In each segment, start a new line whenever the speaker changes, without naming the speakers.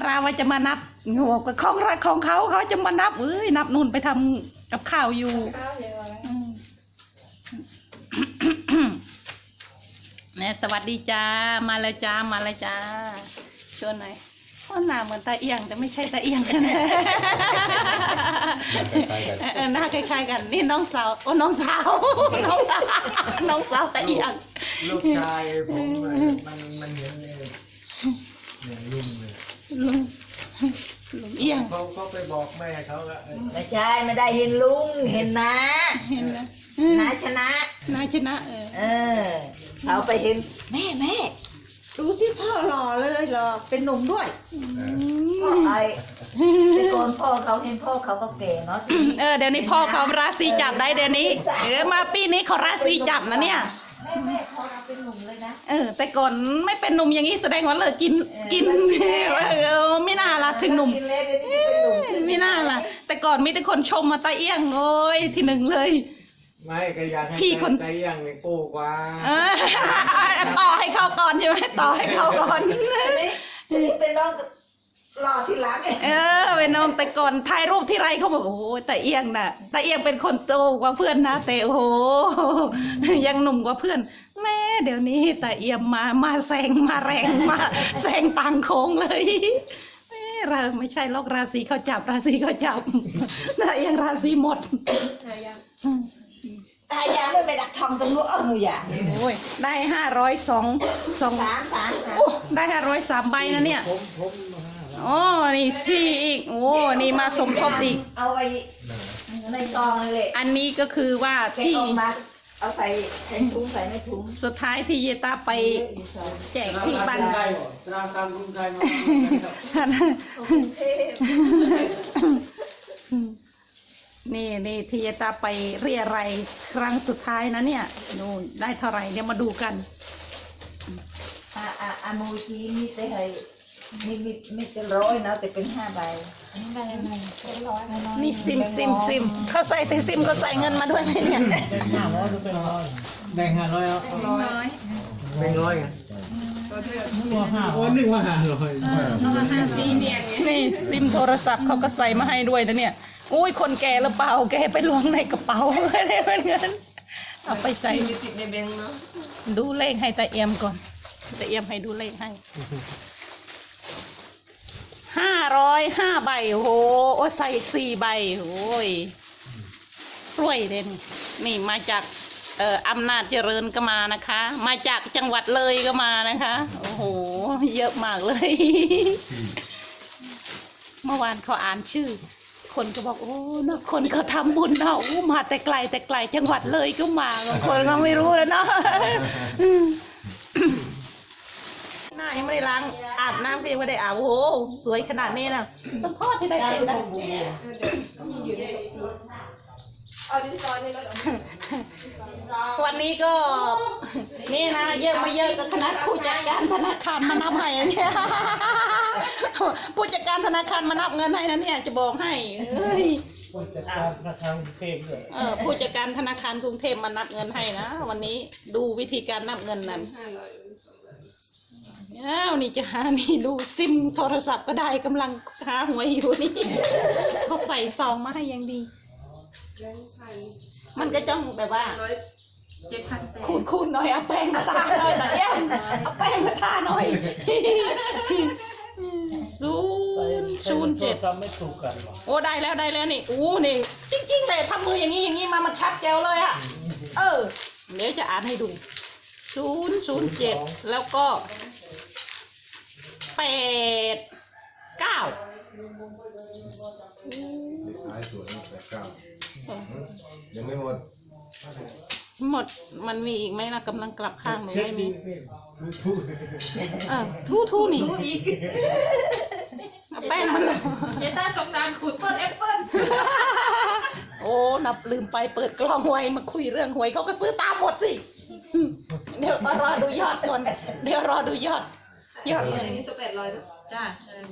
ราว่าจะมานับงวกับของรักของเขาจะมานับนับนู่นไปทำกับข้าวอยู่เนี่ยสวัสดีจ้ามาเลยจ้าชวนหน่อยหน้าเหมือนตาเอียงแต่ไม่ใช่ตาเอียงนะหน้าคล้ายๆกันนี่น้องสาวน้องสาวตาเอียง
ลูกชายผมมันเห็นเนี่ยลุงเลย
ลุงเอียง
เขาไปบอกแม่เขาก็
ไม่ใช่ไม่ได้เห็นลุงเห็นนะน้าชนะเขาไปเห็นแม่ดูที่พ่อหล่อเลยหล่อเป็นหนุ่มด้วยพ่อแต่ก่อนพ่อเขาเห็นพ่อเขาก็แก่เนาะ
เดี๋ยวนี้พ่อเขาราศีจับได้เดี๋ยวนี้มาปีนี้เขาราศีจับนะเนี่ย
แม่เขาเป็นหนุ่มเลยนะ
แต่ก่อนไม่เป็นหนุ่มอย่างนี้แสดงว่าเลิกกินไม่น่าละถึงหนุ่มไม่น่าละแต่ก่อนมีแต่คนชมมาตาเอี้ยงโอ้ยที่หนึ่งเลย
ไม่ก็อยากให้ตาเอี้ยงนี่กู้กว่า
ต่อให้เขาก่อนใช่ไหมต่อให้เขาก่อน
เป็นน้องรอที่หลัง
เป็นน้องแต่ก่อนถ่ายรูปที่ไรเขาบอกโอ้ตาเอี้ยงน่ะตาเอี้ยงเป็นคนโตกว่าเพื่อนนะแต่โอ้โหยังหนุ่มกว่าเพื่อนแม่เดี๋ยวนี้ตาเอี้ยงมาแซงมาแรงมาแซงต่างโค้งเลยเราไม่ใช่ลอกราศีเขาจับตาเอี้ยงราศีหมด
ตายาไม่ไปดักทองตรงนู้นหนูอยาก
โอ้ยได้ได้503ใบนะเนี่ยโอ้นี่สี่อีกโอ้นี่มาสมทบอีก
เอาไว้ในกองเลย
อันนี้ก็คือว่าที่
เอาใส่ถุงใส่ในถุง
สุดท้ายที่เยตาไปแจกที่บ้านนี่ที่เยตาไปเรียอะไรครั้งสุดท้ายนะเนี่ยนู่นได้เท่าไหร่เดี๋ยวมาดูกัน
มูชีมีแต่ให้มีแต่100นะแต่เป็น5 ใบ
นี่ซิมเขาใส่แต่ซิมก็ใส่เงินมาด้วยไหมเนี่ย
แบ่ง500แล้วแบ่ง100ไงนึกว่า500
นี่ซิมโทรศัพท์เขาก็ใส่มาให้ด้วยนะเนี่ยอุ้ยคนแก่หรือเปล่าแกไปล้วงในกระเป๋าไม่ได้เป็นเงินเอาไปใส่
ติดในแบงค์เนาะ
ดูเลขให้ตาเอี่ยมก่อนตาเอี่ยมให้ดูเลขให้505 ใบโอ้โหใส่อีก4 ใบโอ้ยกล้วยเด่นนี่มาจากอำนาจเจริญก็มานะคะมาจากจังหวัดเลยก็มานะคะโอ้โหเยอะมากเลยเมื่อวานเขาอ่านชื่อคนก็บอกโอ้นะคนเขาทำบุญเนาะมาแต่ไกลจังหวัดเลยก็มาบางคนก็ไม่รู้แล้วเนาะหน้ายังไม่ได้ล้างอาบน้ำก็ยังไม่ได้อาบโอ้โหสวยขนาดนี้นะสัมพอที่ได้เป็นนะวันนี้ก็นี่นะเยอะมาเยอะกับคณะผู้จัดการธนาคารมานับให้เนี่ยผู้จัดการธนาคารมานับเงินให้นะเนี่ยจะบอกให้
ผู้จัดการธนาคารกรุงเทพด้วย
ผู้จัดการธนาคารกรุงเทพมานับเงินให้นะวันนี้ดูวิธีการนับเงินนั้นนี่จะหานี่ดูซิมโทรศัพท์ก็ได้กำลังหาหวยอยู่นี่เขาใส่ซองมาให้ยังดีมันก็จ้องแบบว่าคูณหน่อยเอาแป้งมาทาหน่อยแต่ยังเอาแป้งมาทาหน่อย007
ไม่ถูกกัน
โอ้ได้แล้วนี่นี่จริงๆเลยทำมืออย่างนี้มามันชัดแจ๋วเลยอ่ะเดี๋ยวจะอ่านให้ดู007แล้วก็89
ท้ายสวย89ยังไม่หมด
มันมีอีกไหมนะกำลังกลับข้างหนูไม่มีทู่นี่แป้งมัน
เยต้าสงดานขูดต้นแอปเปิ้ล
โอ้นับลืมไปเปิดกล้องไว้มาคุยเรื่องหวยเขาก็ซื้อตามหมดสิเดี๋ยวรอดูยอดก่อนเดี๋ยวรอดูยอดเงิน
นี่ตัว800จ้า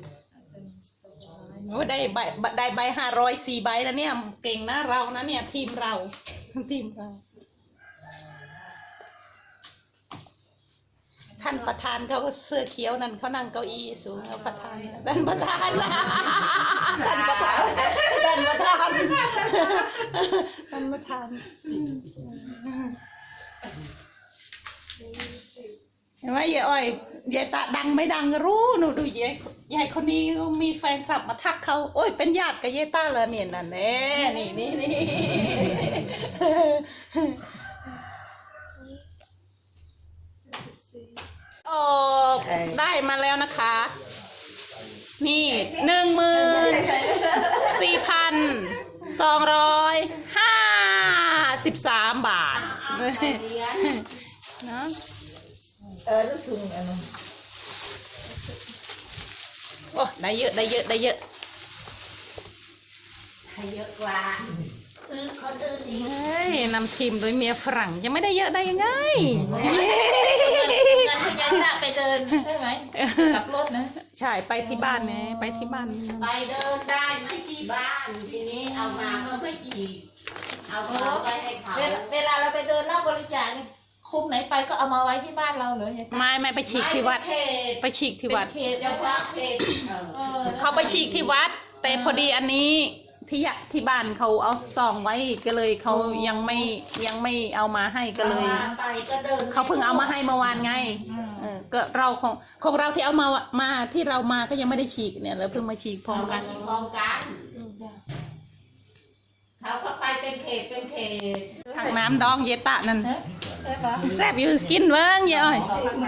โอ้ได้ใบ504 ใบแล้วเนี่ยเก่งนะเรานะเนี่ยทีมเราท่านประธานเขาก็เสื้อเขียวนั่นเขานั่งเก้าอี้สูงเอาประธานท่านประธานนะท่านประธานท่านประธานท่านประธานเห็นไหมยายอ้อยยายตาดังไม่ดังก็รู้หนูดูยายคนนี้มีแฟนคลับมาทักเขาโอ้ยเป็นญาติกับยายตาเลยเนี่ยนั่นแน่นี่โอ้ได้มาแล้วนะคะ นี่14,253 บาทเนาะ
รู้สึกอันนั้น
โอ้ได้เยอะ
ให้เยอะกว่าคนอื่นอีก
เฮ้ยนำทีมโดยเมียฝรั่งยังไม่ได้เยอะได้ยังไง
งานที่ยันน่ะไปเดินใช่ไหมกับรถนะ
ใช่ไปที่บ้านไงไปที่บ้าน
ไปเดินได้ไหมที่บ้านทีนี้เอามาก็ไม่กี่เอาไปให้เขา
เวลาเราไปเดินรับบริจาคนี่คุมไหนไปก็เอามาไว้ที่บ้านเราเลย
ไม่ไปฉีกที่วัด ไปฉีกที่วัด
เขตยังว่าเขต
เขาไปฉีกที่วัด แต่พอดีอันนี้ที่บ้านเขาเอาซองไว้ก็เลยเขายังไม่เอามาให้ก็เลย
ไปก็เดิน
เขาเพิ่งเอามาให้เมื่อวานไงก็เราของเราที่เอามาที่เรามาก็ยังไม่ได้ฉีกเนี่ยเราเพิ่งมาฉีกพร้อมกัน
พร้อมกันเขาก็ไปเป็นเขต
ถังน้ำดองเยตะนั่นแซ่บอยู่กินเบิ้งเยอ้อย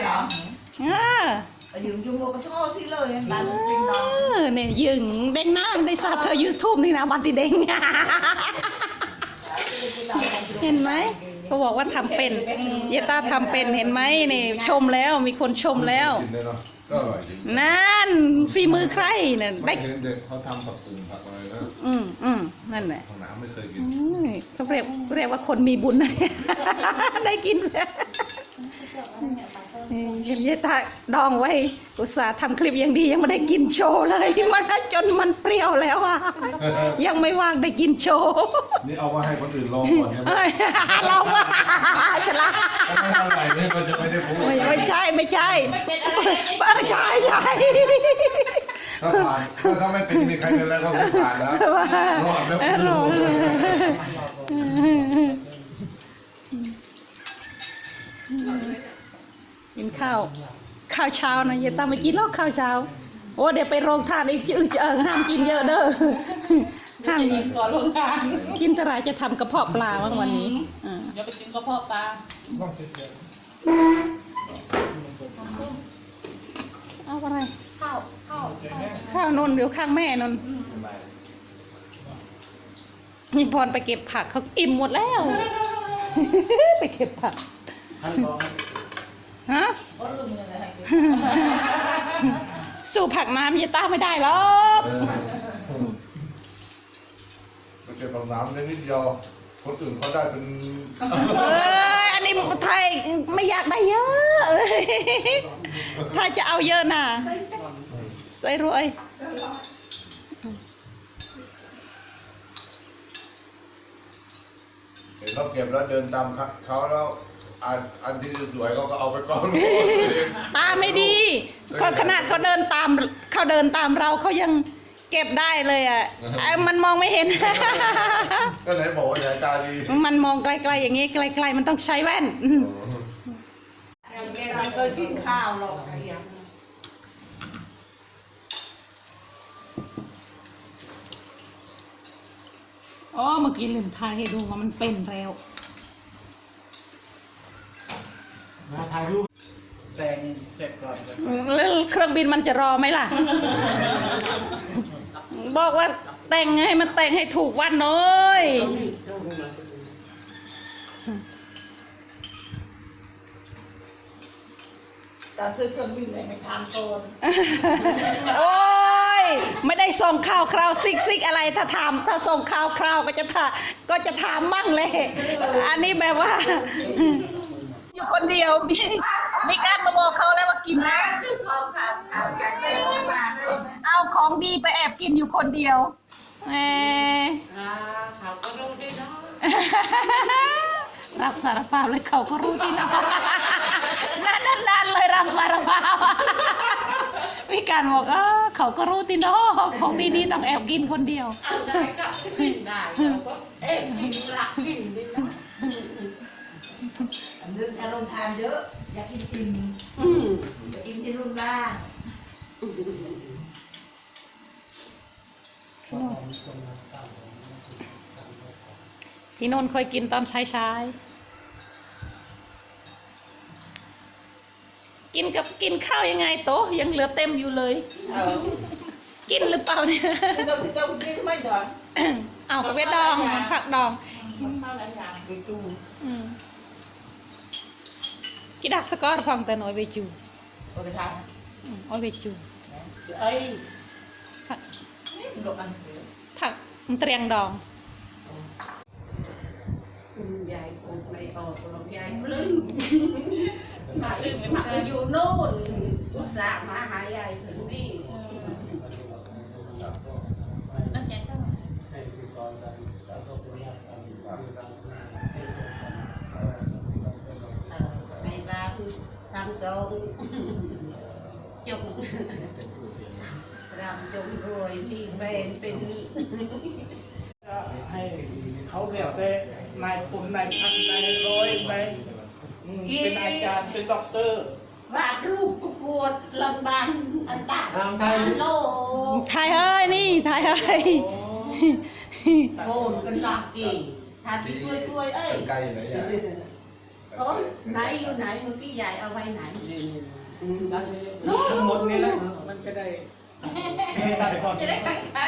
ยืมจุ่มโมกระโชกสิเลยบ้านเป็นดอง
เนี่ยยึงเด้งน้ำได้สัตว์เธอยูทูบนี่นะบันติเด้งเห็นไหมเขาบอกว่าทำเป็นเยต้าทำเป็นเห็นไหมนี่ชมแล้วมีคนชมแล้ว
กินได้เนาะก็อร่อยจริง
นั่นฝีมือใครเนี่ยได้
เห็นเด็กเขาทำผักตุ่มผักอะไรนะ
นั่นแหละ
ของน้ำไม่เคยกิน
เขาเรียกว่าคนมีบุญนะเนี่ยได้กินแล้วเห็นยายตาดองไว้อุตส่าห์ทำคลิปอย่างดียังไม่ได้กินโชว์เลยมันจนมันเปรี้ยวแล้วอ่ะยังไม่ว่างได้กินโชว์
นี่เอามาให้คนอื่นลองก่อนใช่ไหม
ลองว่าจะละ
ถ้าไม่อร่อยเนี่ยก็จะไม่ได้พูด
ไม่ใช่ใช่
ถ้าผ่านถ้าไม่เป็นมีใครเป็นแล้วก็ผ่านแล้วรอดแล้ว
รอดกินข้าวเช้านะอย่าตามไปกินหรอกข้าวเช้าโอ้เดี๋ยวไปโรงทานอีกห้ามกินเยอะเด้อห้ามกินก่อนโรงทานกินเท่าไรจะทำกระเพาะปลาบ้างวันนี้
เดี๋ยวไปกินกระเพาะปลา
เอาอะไร
ข้าวน
นเดี๋ยวข้างแม่นนนี่พรไปเก็บผักเขาอิ่มหมดแล้ว ไปเก็บผักฮะสู้ผักน้ำยายต้าไม่ได้หรอก
มันจะต้องน้ำนิดเดียวคนอื่นเขาได้เป็น
อันนี้ไทยไม่อยากได้เยอะถ้าจะเอาเยอะน่ะใส่รวย
เห็นเขาเก็บแล้วเดินตามเขาแล้วอันที่สวยเขาก็เอาไปก่อน
ตาไม่ดีขนาดเขาเดินตามเราเขายังเก็บได้เลยอ่ะมันมองไม่เห็น
ก็ไหนบอกว่าสายตาดี
มันมองไกลๆอย่างนี้ไกลๆมันต้องใช้แว่น
แกไม่เคยกินข้าวหรอก
อ๋อเมื่อกี้ลืมทายให้ดูว่ามันเป็นแล้ว
มาถ่ายรูปแต่งเสร็จก่อน
แล้วเครื่องบินมันจะรอไหมล่ะ บอกว่าแต่งให้มันแต่งให้ถูกวันหน่อย
ตอนซื้อเครื่องบินเลยไม่ทำโกน
โอ้ยไม่ได้ส่งข่าวคราวซิกอะไรถ้าส่งข่าวคราวก็จะถามมั่งเลย อันนี้แบบว่า อยู่คนเดียวมีการมาบอกเขาแล้วว่ากินแล้วเอาของดีไปแอบกินอยู่คนเดียวเขาก็รู้ได้เนาะรับสารภาพเลยเขาก็รู้ที่นอนนานๆเลยรับสารภาพวิการบอกเขาก็รู้ที่นอนของดีๆต้องแอบกินคนเดียว
เอาได้ก็กินได้เราก็เอ๊ะกินหลักกินดินะ
เรื่องอารมณ์ทานเยอะ อยากกินอิ่มอยากกินที่รุ่นบ้าง
ที่นนท์เคยกินตอนเช้าๆกินข้าวยังไงโต๊ะยังเหลือเต็มอยู่เลย กินหรือเปล่าเนี่ย
ที่เรากินทำไมดอน
เอากระเวทดองผักดอง
ข้าวหลายอย่าง
ไปตู้
กิดักสกอร์ฟังแต่น้อยเวจู
เอาไปทาน
อ้อยเวจู
เอ้ย
ผัก
ดอกอันเถื่อ
ผักเตรียงดอง
ยายคงไม่ออกหรอกยายปลื้มมาอึ้งมาอยู่โน่นอุตส่าห์มาหายายถึงนี่นั่นแกใช่ไหม ในร้านทำตรงจงรำจงรวยมีแฟนเป็น
ก็ให้เขาเรียกได้นายคุณนายพันนายร้อยไปเป็นอาจารย์เป็นด็อกเตอร์
วาดรูปประกวดลำบากอันตา
ทางไทย
โลก
ไทยเฮ้ยนี่ไทยเฮ้ย
โกนกันหลักกี่ทาที่กล้วยเอ้ย
ใกล้ไหนอ่ะ
โอ้ไหนอยู่ไหนเมื่อกี้ยายเอาไว้ไหน
ทั้งหมดนี่แหละมันจะได้ได้ก่อน
จะได้ตั้งใจ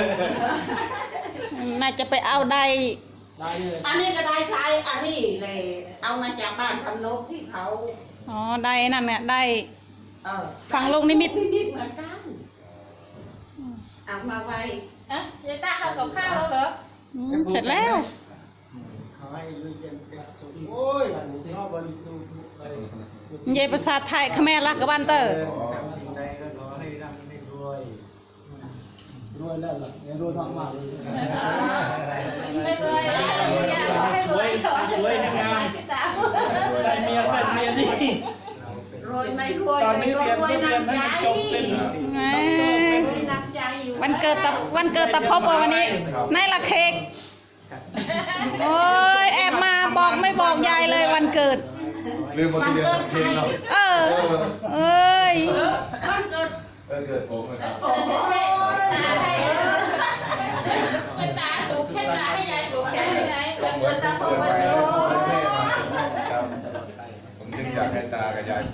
น่าจะไปเอาได้
ได้เลย
อันนี้ก็ได้ไซส์อันนี้เลยเอามาจากบ้านทำนกที่เขา
อ๋อได้นั่นเนี่ยได้ ฝั่งลูกนิมิต
นิมิตเหมือนกันเอามาไว้เอ๊ะยายต้าทำกับข้าวแล้วเหรอ
เสร็จแล้ว
เขาให้ลุยเย็นเป็นสุดโอ้ยนอกบริตู
เยายภาษาไทยขแม่รักกับบ้านเตอร์
ทำสิ่งใดก็ขอให้ร่ำให้รวยรวยแล้วล่ะรวยมากๆเลย
ไม่เลยสวยสวยงามได้เมียเป็นเมียดีรวยไม่รวย
ตอนนี้
แต่
เรียน
รวย
เรียน
น้ำ
ให้
ใจ
จบสิ้น
แหม
รวยน้ำใจอยู่
วันเกิดตะพบวันนี้ในละเค้กโอ้ยแอบมาบอกไม่บอกยายเลยวันเกิด
ลืมมาทีเดียวเพลงเรา
เออเอ้ย
วันเกิด
เกิดผมนะครับ
โอ้ยตาดูแค่ตาให้ยายดูแค่ไหน
ก็เหมือน
ตา
เปิด
วั
ไว้
น
แล้
เกิ
ว
ด
เท่มาครับผมจึงอยากให้ตากับยาย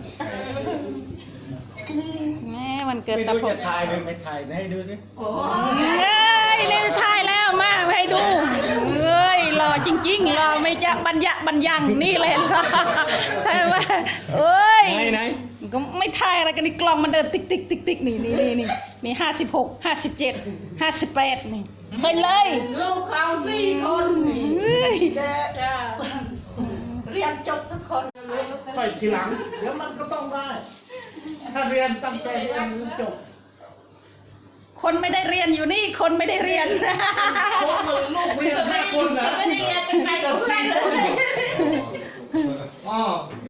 แม่วันเกิด
ไม่
ตะ
รู้
พบ
จะถ่ายหรือไม่ถ่ายให้ดูสิ
โอ้
เอ้ยนี่ถ่ายแล้วมาให้ดูเอ้ยหล่อจริงๆหล่อไม่จะบรรยะบรรยังนี่เลยใช่ไหมเอ้ย
ไหน
ก็ไม่ถ่ายอะไรกันนี่กล้องมันเดินติ๊กติ๊กติ๊กติ๊กนี่56 57 58นี่ไปเลย
ลูกเขา4 คน
เฮ้ย
จะเรียนจบทุกคน
ไปทีหลังเดี๋ยวมันก็ต้องได้ ถ้าเรียนตั้งใจเรียนจบ
คนไม่ได้เรียนอยู่นี่คนไม่ได้เรียน
พวกมือลูกเรียน5 คนนะ
ไม่ได้เรียนเป็นไงกับเพื่อนเลย
อ๋อ